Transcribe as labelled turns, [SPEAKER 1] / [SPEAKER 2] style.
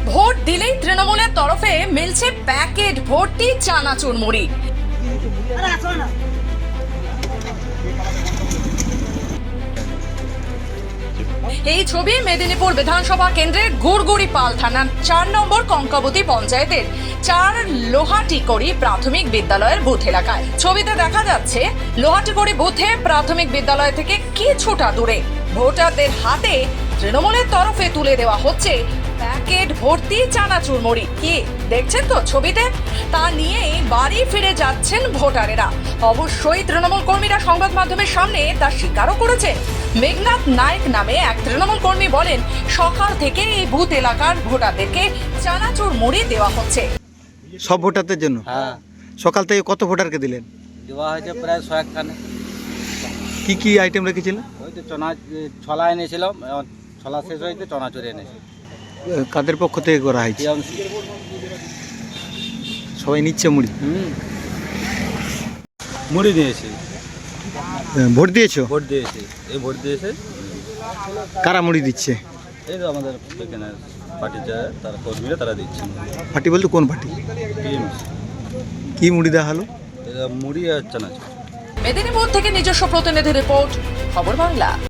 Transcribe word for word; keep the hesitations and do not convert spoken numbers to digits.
[SPEAKER 1] Vote দিলেই তৃণমূলের তরফে মিলছে প্যাকেট ভর্তি চানাচুর মুড়ি। এই ছবি মেদিনীপুর বিধানসভা কেন্দ্রের গুড়গুড়িপাল থানার চার নম্বর কঙ্কাবতী পঞ্চায়েতের চার লোহাটিকড়ি প্রাথমিক বিদ্যালয়ের বুথ এলাকায়। ছবিতে দেখা যাচ্ছে লোহাটিকড়ি বুথে প্রাথমিক বিদ্যালয় থেকে কিছুটা দূরে ভোটারদের হাতে তৃণমূলের তরফে তুলে দেওয়া হচ্ছে প্যাকেট ভর্তি চানাচুর মুড়ি। কি দেখছেন তো ছবিতে, তা নিয়ে বাড়ি ফিরে যাচ্ছেন ভোটারেরা। অবশ্যই তৃণমূল কর্মীরা সংবাদ মাধ্যমের সামনে তা স্বীকারও করেছেন। মেঘনাথ নায়ক নামে এক তৃণমূল কর্মী বলেন, সকাল থেকে এই বুথ এলাকার ভোটারদেরকে চানাচুর মুড়ি দেওয়া হচ্ছে।
[SPEAKER 2] সব ভোটারদের জন্য?
[SPEAKER 3] হ্যাঁ,
[SPEAKER 2] সকাল থেকে কত ভোটারকে দিলেন?
[SPEAKER 3] দেওয়া হয়েছে প্রায় ছয়েক খানে।
[SPEAKER 2] কি কি আইটেম রেখেছিলেন?
[SPEAKER 3] ওই তো চনা ছলা এনেছিলাম, এখন ছলা শেষ হয়েছে চনা চুরি এনেছি।
[SPEAKER 2] কাদের পক্ষ থেকে করা হয়েছে?
[SPEAKER 3] টিএমসি।
[SPEAKER 2] সবাই নিচ্ছে মুড়ি?
[SPEAKER 3] হুম, মুড়ি দিয়েছি।
[SPEAKER 2] ভোট দিয়েছো?
[SPEAKER 3] ভোট দিয়েছি, এই ভোট দিয়েছে।
[SPEAKER 2] কারা মুড়ি দিচ্ছে?
[SPEAKER 3] এই তো আমাদের এখানে পার্টি যায়, তারা কর্মীরা তারা দিচ্ছে
[SPEAKER 2] পার্টি বলতে কোন পার্টি?
[SPEAKER 3] টিএমসি।
[SPEAKER 2] কি মুড়ি দেওয়া হলো?
[SPEAKER 3] মুড়ি আর চানাচুর।
[SPEAKER 1] মেদিনীপুর থেকে নিজস্ব প্রতিনিধি রিপোর্ট, খবর বাংলা।